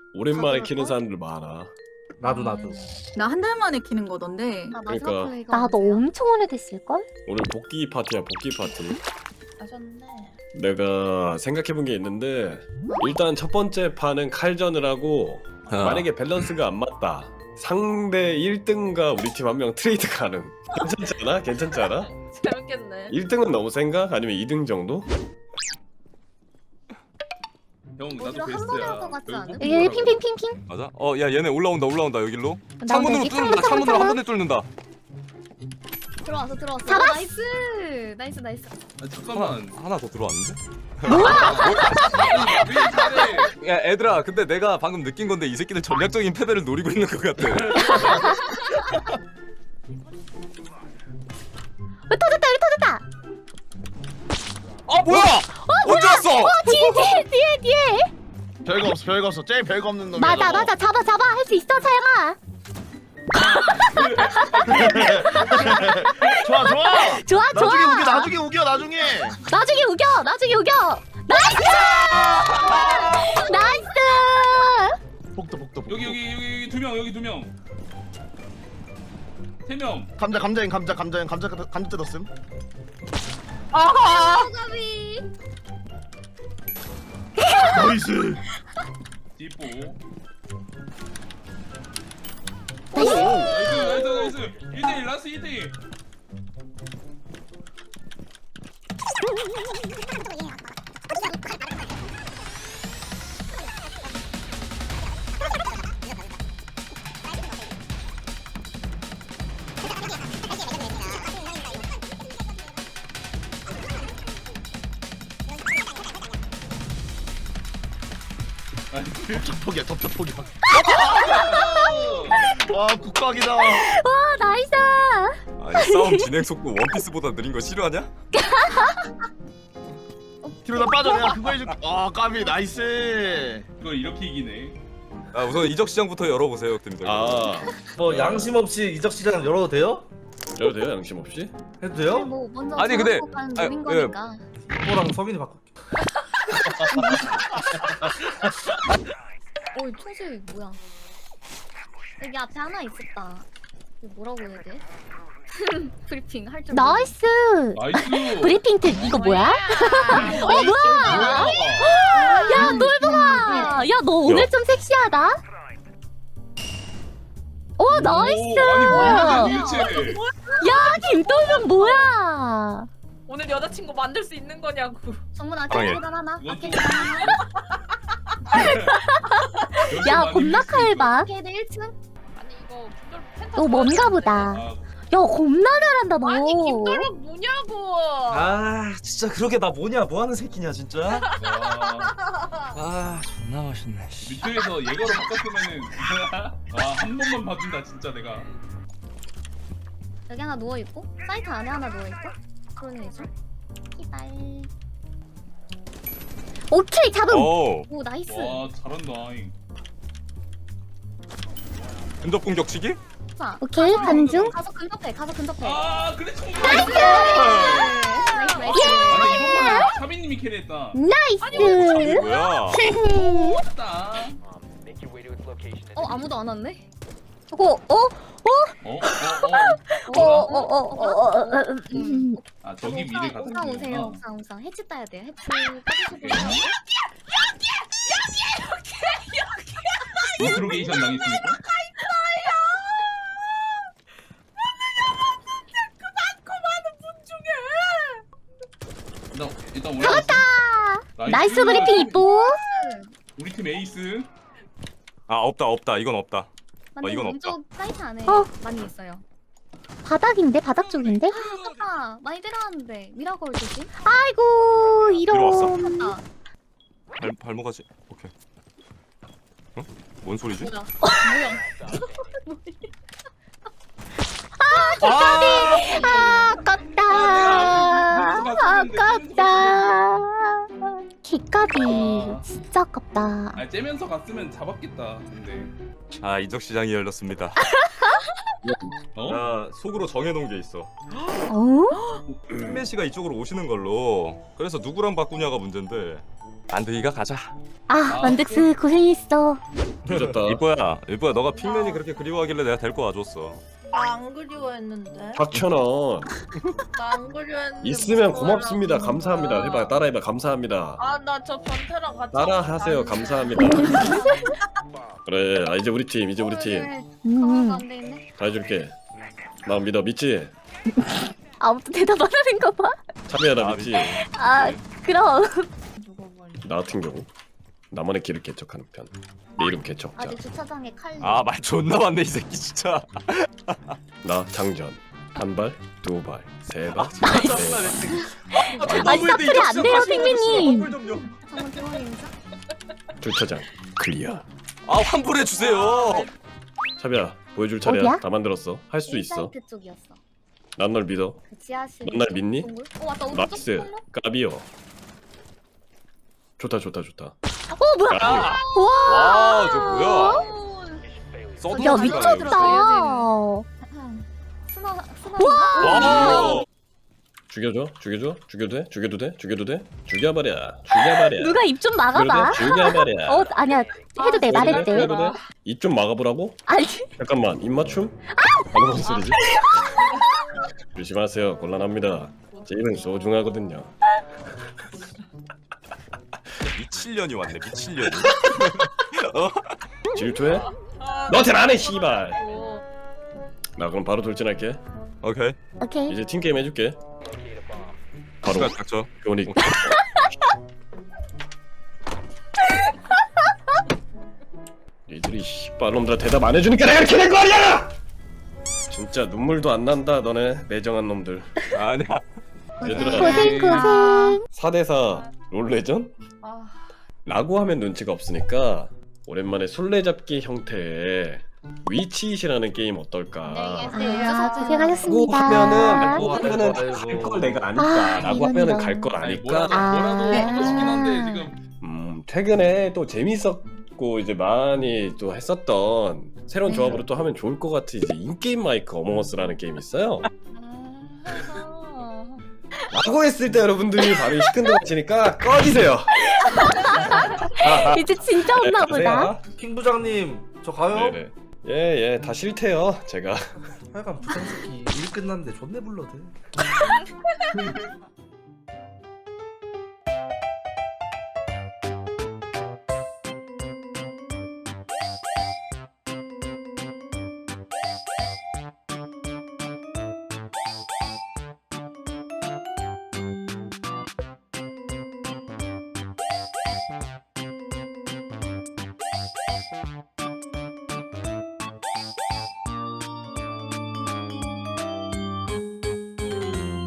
오랜만에 키는 사람들 많아. 나도. 나 한 달 만에 키는 거던데. 그러니까 나도 엄청 오래됐을걸? 오늘 복귀 파티야, 복귀 파티. 아셨네. 내가 생각해본 게 있는데 일단 첫 번째 판은 칼전을 하고 만약에 밸런스가 안 맞다. 상대 1등과 우리 팀 한 명 트레이드 가능. 괜찮지 않아? 괜찮지 않아? 재밌겠네. 1등은 너무 생각? 아니면 2등 정도? 형 나도 오히려 한 번에 할 것 같지 않음? 여기 핑핑핑핑. 맞아? 야 얘네 올라온다 여기로. 나 창문으로 여기 뚫는다. 창문으로 한 번에 뚫는다. 들어왔어. 잡았어. 나이스. 아, 잠깐만. 하나 더 들어왔는데? 뭐야? 야 애들아, 근데 내가 방금 느낀 건데 이 새끼들 전략적인 패배를 노리고 있는 것 같아. 터졌다. 아 뭐야? 언제 왔어? 뒤에. 별거 없어. 제일 별거 없는 놈이야. 맞아. 잡아. 할 수 있어, 사양아. 좋아. 좋아. 나중에 우겨. 나중에 우겨. 나이스. 복도. 여기 두 명. 세 명. 감자 뜯었음. 가비. 나이스. 띠뽀. 나이스. 나이스. 1대1 라스 1대1. 덮쳐포기야. 와 국각이다. 와, 나이스. 아니 싸움 진행 속도 원피스보다 느린 거 싫어하냐? 뒤로 나 빠져. 내가 그거 해줄게. 까비 나이스. 이걸 이렇게 이기네. 아 우선 이적 시장부터 열어보세요, 팀들. 뭐 양심 없이 이적 시장 열어도 돼요? 열어도 돼요? 양심 없이? 해도 돼요? 뭐 먼저 아니, 근데- 노린 아, 예. 거니까. 또랑 석인이 바꿀게. 총소리 뭐야? 여기 앞에 하나 있었다. 이거 뭐라고 해야 돼? 브리핑 할 줄. 나이스. 나이스. 브리핑 특 이거 뭐야? 뭐야? 야, 똘봉아. 야, 너 오늘 좀 섹시하다. 오, 나이스. 아니 뭐야 도대체. 야, 김똘봉 뭐야? 오늘 여자친구 만들 수 있는 거냐고. 정문 예. 아케이드보단 하나. 이건 좀- 아케이드 하나. 야, 겁나 칼봐. 아케이드 1층. 아니 이거 펜타. 너 뭔가 보다. 야, 겁나 잘한다, 너. 아니 김돌박 뭐냐고. 아 진짜 그러게 나 뭐냐 뭐하는 새끼냐 진짜. 아 존나 맛있네. 밑에서 예거로 바꿨으면은 한 번만 봐준다 진짜 내가. 여기 하나 누워 있고 사이트 안에 하나 누워 있고. 그러네 이제. 이발. 오케이, 잡음. 오. 오 나이스. 와 잘한다. 근접 공격치기? 자, 오케이, 가는 중. 가서 근접해. 아 그래 총. 나이스. 아니 이번만에 사비님이 캐리했다. 나이스. 뭐야? 맞다. 아무도 안 왔네. 아 저기 미래 같은 옥상 오세요. 거구나. 옥상. 해치 따야 돼요. 해치 따주시고요. 인트로게이션 당했습니까? 일단 올라갔다. 나이스 브리핑 이뻐. 우리 팀 에이스. 아 없다 이건 없다. 이건 없다. 왼쪽 사이트 안에 많이 있어요. 바닥인데? 바닥 쪽인데? 아깝다. 많이 들어왔는데 미라걸 조심. 아이고, 들어왔어? 이런. 맞다. 발목하지. 오케이. 어? 뭔 소리지? 뭐야? 아깝다. 아깝다. 개값이 진짜 아깝다. 아 째면서 갔으면 잡았겠다. 근데 이적 시장이 열렸습니다. 나 속으로 정해놓은 게 있어. 팬맨 씨가 이쪽으로 오시는 걸로. 그래서 누구랑 바꾸냐가 문제인데 만드기가 가자. 아, 만득스 고생했어. 늦었다. 일보야 너가 핑맨이 그렇게 그리워하길래 내가 데리고 와줬어. 나 안 그리워했는데. 박천원 나 안 그리워했는데. 있으면 무슨 고맙습니다. 말을 하는 감사합니다. 거야. 해봐. 따라해봐. 감사합니다. 아, 나 저 변태랑 같이. 따라하세요. 안 감사합니다. 그래. 아, 이제 우리 팀. 이제 우리 팀. 강화가 안 돼 있네. 다 해줄게. 나 믿어. 믿지? 아무튼 대답 안 하는 거 봐. 참여야 나 믿지? 아 그럼. 죽어버려. 나 같은 경우 나만의 길을 개척하는 편. 내 이름 개척자. 아직 주차장에 칼. 아 말 존나 많네 이 새끼 진짜. 나 장전. 한 발, 두 발, 세 발, 아니 사투리 안 돼요 핑맨님. 장문 대원인자. 주차장 클리어. 아 환불해 주세요. 차비야 보여줄 차례야. 어디야? 다 만들었어. 할 수 있어. 사이트 쪽이었어. 난 널 믿어. 그 지하실. 넌날 믿니? 동굴? 맞다. 우리 나이스. 쪽 까비요. 좋다. 뭐야? 까비. 와저 뭐야? 써도 야 못한다, 미쳤다. 와. 죽여줘. 죽여도 돼. 죽여버려. 누가 입 좀 막아봐. 죽여버려. 어 아니야 해도 돼 말했대. 입 좀 막아보라고? 아니 잠깐만 입 맞춤? 방금 무슨 소리지? 조심하세요. 곤란합니다. 제 입은 소중하거든요. 미칠년이 왔네 미칠년이. 질투해? 너한테 안해 씨발. 나 그럼 바로 돌진할게. 오케이. 오케이. 이제 팀 게임 해줄게. 바로 시간 닥쳐. 교닉. 니들이 씨발놈들아 대답 안 해주니까 내가 이렇게 된 거 아니야! 진짜 눈물도 안 난다 너네 매정한 놈들. 아니야. 얘들아 고생. 4대4 롤레전? 아, 라고 하면 눈치가 없으니까 오랜만에 술래잡기 형태의 위치잇이라는 게임 어떨까? 아 라고 고생하셨습니다. 하면은 갈 걸 내가 아니까 아, 라고 하면은 이런다. 갈 걸 아니까 뭐라도 하고 싶긴 한데 지금 최근에 또 재밌었고 이제 많이 또 했었던 새로운 조합으로 또 하면 좋을 것 같은 이제 인게임 마이크 어몽어스라는 게임이 있어요. 라고 했을 때 여러분들이 반응이 시큰둥하시니까 꺼지세요. 이제 진짜 없나 보다. 가세요. 킹 부장님 저 가요? 네네. 예, 다 싫대요, 제가. 하여간 부장 새끼 일 끝났는데 존내 불러대.